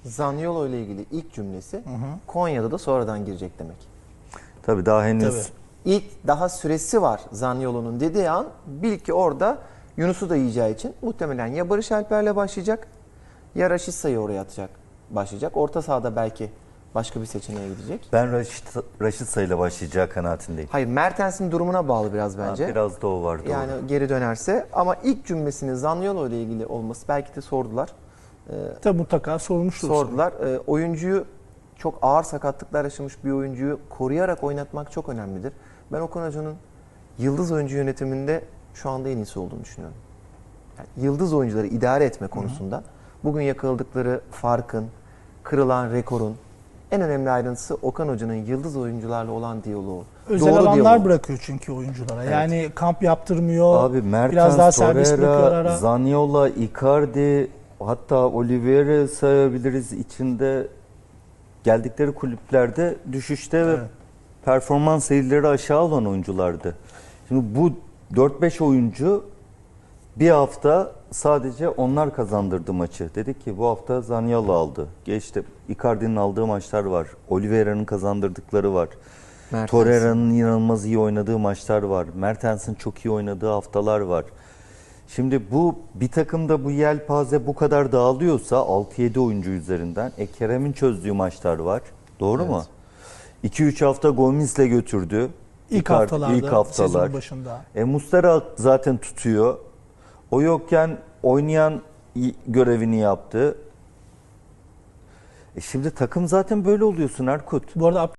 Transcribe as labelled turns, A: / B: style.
A: Zaniolo ile ilgili ilk cümlesi Konya'da da sonradan girecek demek.
B: Tabii daha henüz
C: Tabii.
A: İlk daha süresi var Zaniolo'nun dediği an bil ki orada Yunus'u da yiyeceği için muhtemelen ya Barış Alper'le başlayacak ya Raşitsa'yı oraya atacak başlayacak. Orta sahada belki başka bir seçeneğe gidecek.
B: ben Raşitsa ile başlayacağı kanaatindeyim.
A: Hayır, Mertens'in durumuna bağlı biraz bence.
B: Biraz da o var, doğru.
A: Yani geri dönerse ama ilk cümlesinin Zaniolo ile ilgili olması belki de sordular.
C: Tabii mutlaka sormuştur.
A: Sordular. Oyuncuyu çok ağır sakatlıklar yaşamış bir oyuncuyu koruyarak oynatmak çok önemlidir. Ben Okan Hoca'nın yıldız oyuncu yönetiminde şu anda en iyisi olduğunu düşünüyorum. Yani yıldız oyuncuları idare etme konusunda bugün yakaladıkları farkın, kırılan rekorun en önemli ayrıntısı Okan Hoca'nın yıldız oyuncularla olan diyaloğu.
C: Özel
A: Doğru
C: alanlar
A: diyaloğu.
C: bırakıyor çünkü oyunculara.
A: Evet.
C: Yani kamp yaptırmıyor.
B: Abi Mertens,
C: biraz daha serbest bırakıyor
B: Torreira,
C: ara.
B: Zaniolo, Icardi, hatta Oliveira sayabiliriz, içinde geldikleri kulüplerde düşüşte ve
C: Evet.
B: performans seyirleri aşağı olan oyunculardı. Şimdi bu 4-5 oyuncu bir hafta sadece onlar kazandırdı maçı. Dedik ki bu hafta Zaniolo aldı. Geçti. Icardi'nin aldığı maçlar var. Oliveira'nın kazandırdıkları var.
A: Mertens.
B: Torreira'nın inanılmaz iyi oynadığı maçlar var. Mertens'in çok iyi oynadığı haftalar var. Şimdi bu bir takımda bu yelpaze bu kadar dağılıyorsa 6-7 oyuncu üzerinden Kerem'in çözdüğü maçlar var. Doğru mu? 2-3 hafta Gomis'le götürdü.
C: İlk
B: Icardi-
C: haftalarda,
B: ilk haftalar.
C: sezon başında.
B: Muslera zaten tutuyor. O yokken oynayan görevini yaptı. Şimdi takım zaten böyle oluyorsun Erkut.
C: Bu arada